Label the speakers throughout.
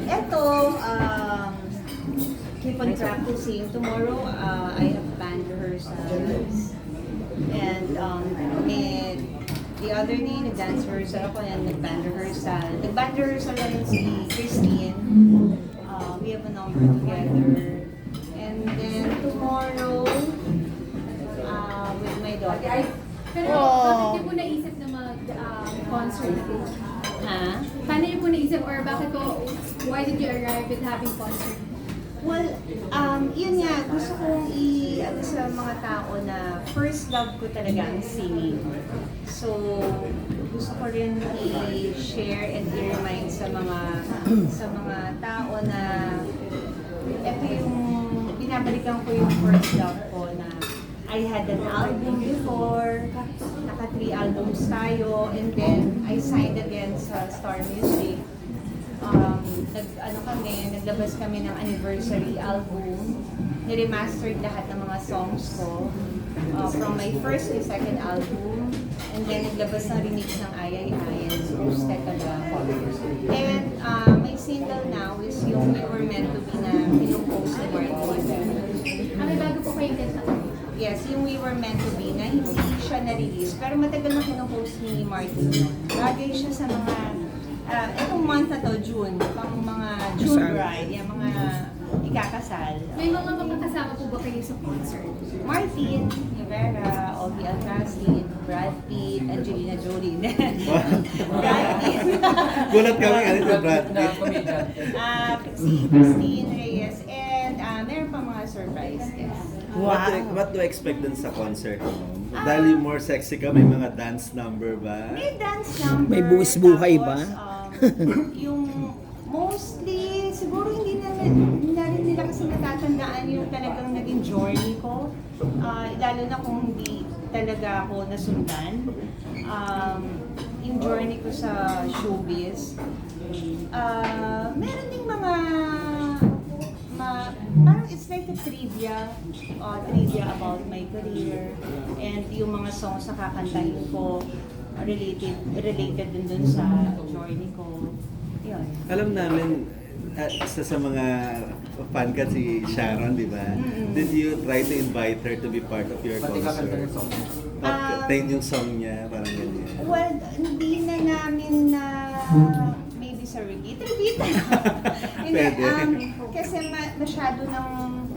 Speaker 1: Eto, keep on practicing. Tomorrow, I have band rehearsals. And the other day, nag-dance rehearsal ako and nag-band rehearsal. Nag-band rehearsal na rin si Christine. We have a number together. And then tomorrow, with my daughter.
Speaker 2: Pero bakit niyo po naisip na mag-concert po?
Speaker 1: Ha?
Speaker 2: Paano niyo po naisip or bakit po, why did you arrive with having concert?
Speaker 1: Well, yun nga, gusto kong ano sa mga tao na first love ko talaga ang singing. So, gusto ko rin i-share and i-remind sa mga tao na ito yung binabalikan ko yung first love ko na I had an album before, naka 3 albums tayo, and then I signed again sa Star Music. Naglabas kami ng anniversary album. Niremastered lahat ng mga songs ko from my first and second album. And then naglabas ng remix ng Ayay Ayan, Roasted Talaga. And my single now is yung We Were Meant to Be na pinupost ni Martin.
Speaker 2: May bago po kayong kanta?
Speaker 1: Yes, yung We Were Meant to Be na hindi siya na-release. Pero matagal na pinupost ni Martin. Bagay siya sa mga itong month na to, June, pang mga June bride, yung mga ikakasal.
Speaker 2: May mga kasama po ba kayo sa concert?
Speaker 1: Martin, Rivera, Ogie Alcacid, Brad Pitt, Angelina Jolie. Brad Pitt.
Speaker 3: Gulat kami, ano ito, Brad Pitt?
Speaker 1: Si Christine Reyes, and meron pa mga surprise guests.
Speaker 3: What do you expect dun sa concert mo? Dahil yung more sexy ka, may mga dance number ba?
Speaker 1: May dance number.
Speaker 4: May buwis buhay ba?
Speaker 1: Yung mostly, siguro hindi na rin nila kasi natatandaan yung talagang naging journey ko. Lalo na kung hindi talaga ako nasundan. Yung journey ko sa showbiz. Meron ding mga parang it's like a trivia about my career and yung mga songs na kakantahin ko related dun sa journey ko. Yun.
Speaker 3: Alam namin, isa sa mga fan ka si Sharon, di ba? Did you try to invite her to be part of your concert? Tayo yung song niya, parang ganyan.
Speaker 1: Well, hindi na namin na maybe sa repeat.
Speaker 3: Pwede.
Speaker 1: Kasi masyado ng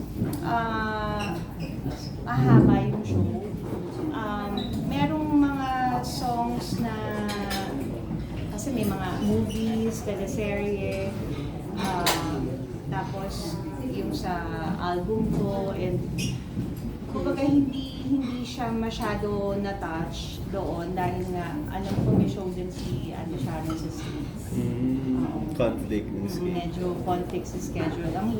Speaker 1: mahaba yung show. Merong mga songs na kasi may mga movies, teleserye, tapos yung sa album ko, and kumbaga hindi siya masyado na-touch doon dahil nga alam ko may show din si Sharon sa States.
Speaker 3: Conflict ng schedule.
Speaker 1: Medyo conflict sa schedule. Ang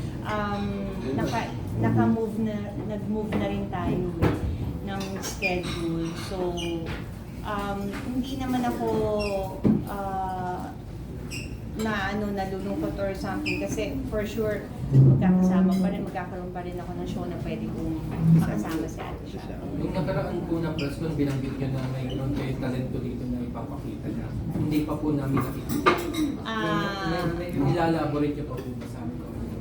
Speaker 1: nag-move na rin tayo ng schedule. So, hindi naman ako nalulungkot or something kasi for sure magkakaroon pa rin ako ng show na pwede kong makasama si Ate Sharon.
Speaker 5: Yung nakaraan po ng press con, binanggit nyo na mayroon kayo talento dito na ipapakita na hindi pa po namin nakikita. Ilalaborate nyo pa po ba sa amin?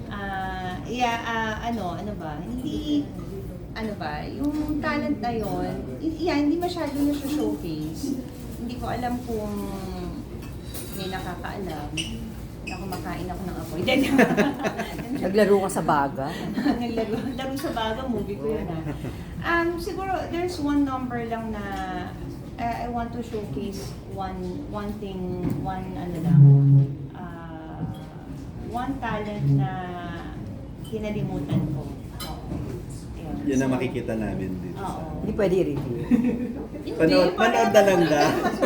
Speaker 1: Yung talent na yun, hindi masyado na siya showcase. Hindi ko alam kung may nakakaalam na kumakain ako ng apoy.
Speaker 4: Naglaro ka sa baga?
Speaker 1: Laro sa baga, movie ko yun. Siguro, there's one number lang na I want to showcase one thing, one talent na kinalimutan ko.
Speaker 3: Yan ang makikita namin dito.
Speaker 4: Hindi pwede i-review.
Speaker 3: Panood na lang da.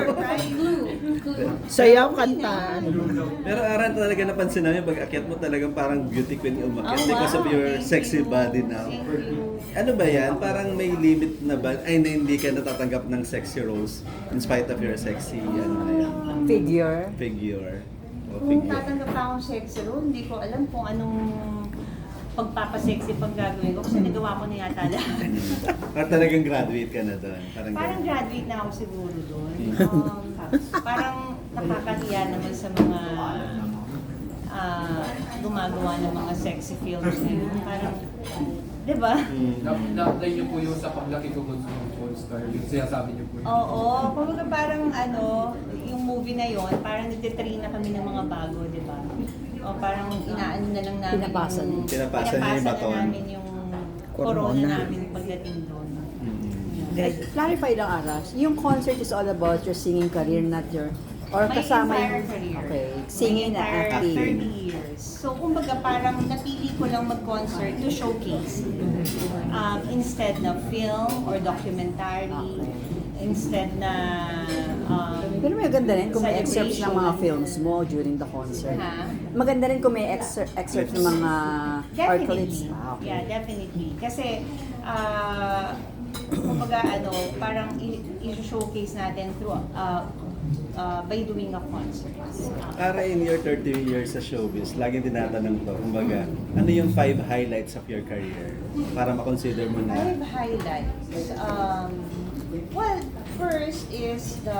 Speaker 4: Sayaw, kanta.
Speaker 3: Pero Aran, talaga napansin namin pag akyat mo talagang parang beauty queen yung umakyat because of your sexy body now. Ano ba yan? Parang may limit na ba? Ay, na hindi ka natatanggap ng sexy roles in spite of your sexy
Speaker 4: Figure.
Speaker 3: figure.
Speaker 1: Kung tatanggap pa akong sexy role, hindi ko alam kung anong pagpapasexy pang gagawin ko kasi nagawa ko na yata lahat.
Speaker 3: Or talagang graduate ka na doon?
Speaker 1: Parang graduate na ako siguro doon. Parang nakakahiya naman sa mga gumagawa ng mga sexy films ngayon. Parang, di ba?
Speaker 5: Na-apply niyo po yung sa paglaki ko gusto ng Paul Star. Yung sinasabi niyo po yun.
Speaker 1: Oo, kumbaga parang yung movie na yon parang nagtitrain na kami ng mga bago, di ba? O parang inaano na lang namin
Speaker 4: Pinapasa niyo.
Speaker 3: Pinapasa niyo yung
Speaker 1: na
Speaker 3: baton.
Speaker 1: namin yung corona namin pagdating doon.
Speaker 4: Clarify lang, Aras. Yung concert is all about your singing career, not your... Or
Speaker 1: My
Speaker 4: kasama
Speaker 1: entire
Speaker 4: yung...
Speaker 1: career.
Speaker 4: Okay. Singing
Speaker 1: My
Speaker 4: na
Speaker 1: entire
Speaker 4: acting.
Speaker 1: 30 years. So, kumbaga parang napili ko lang mag-concert to showcase. Instead na film or documentary. Instead na...
Speaker 4: Pero may ganda rin kung may excerpts ng mga
Speaker 1: celebration.
Speaker 4: films mo during the concert.
Speaker 1: Ha?
Speaker 4: Maganda rin kung may excerpt ng mga art clips.
Speaker 1: Definitely.
Speaker 4: Ah, okay.
Speaker 1: Yeah, definitely. Kasi, kumbaga parang i-showcase natin through by doing a concert.
Speaker 3: Para in your 30 years sa showbiz, laging tinatanong to, kumbaga, ano yung 5 highlights of your career? Para makonsider mo na.
Speaker 1: 5 highlights. Well, first is the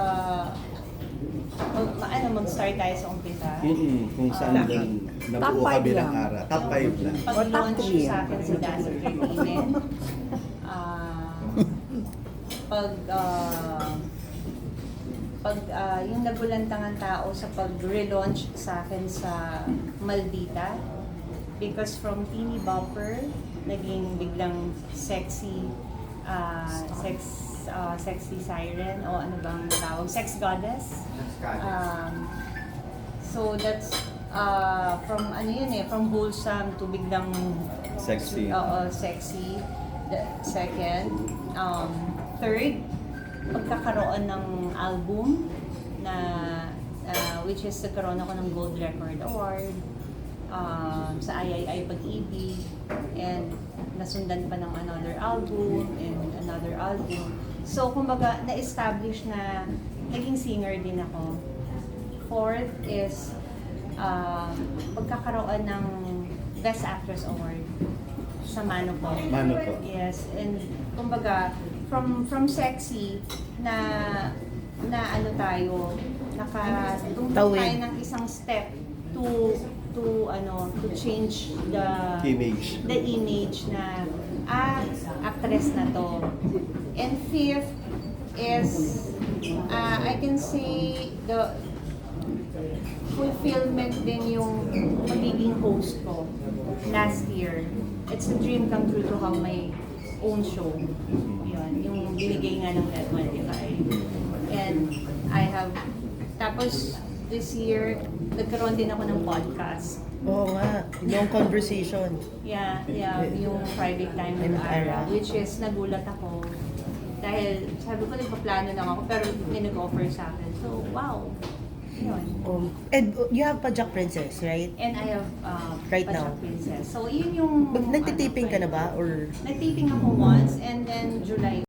Speaker 1: mag-start tayo sa umpisa.
Speaker 3: Kung saan doon nabuo
Speaker 4: Top
Speaker 3: ka
Speaker 4: 5
Speaker 3: bilang
Speaker 4: lang.
Speaker 3: ara. Top 5 lang.
Speaker 1: Pag-launch
Speaker 4: Or top 3.
Speaker 1: sa akin sa Dazzle Entertainment. Yung nagulantangan tao sa pag-relaunch sa akin sa Maldita. Because from teeny bopper, naging biglang sexy sexy siren o ano bang tawag? Sex goddess. So that's from from wholesome to biglang
Speaker 3: Sexy.
Speaker 1: Oo, sexy. The second, third, pagkakaroon ng album na which is nagkaroon ako ng Gold Record Award sa III Pag-ibig, and nasundan pa ng another album and another album. So kumbaga na-establish na naging singer din ako. Fourth is pagkakaroon ng Best Actress Award sa Mano Po.
Speaker 3: Mano Po.
Speaker 1: Yes, and kumbaga from sexy na tayo nakatungkol tayo ng isang step to change the
Speaker 3: Image.
Speaker 1: na actress na to. And fifth is I can say the fulfillment din yung magiging host ko last year. It's a dream come true to have my own show. Yun, yung binigay nga ng Red 25. And I have, tapos this year, nagkaroon din ako ng podcast.
Speaker 6: Oo nga, yung conversation.
Speaker 1: Yeah, yung private time with Ara, which is nagulat ako. Dahil sabi ko, nagpaplano lang ako, pero may nag-offer sa akin. So, wow. Yun.
Speaker 6: And you have Pajak Princess, right?
Speaker 1: And I have
Speaker 6: Right
Speaker 1: Pachak
Speaker 6: now?
Speaker 1: Princess. So, yun yung...
Speaker 6: Nagtitaping ka na ba? Or
Speaker 1: Nagtiping ako once, and then July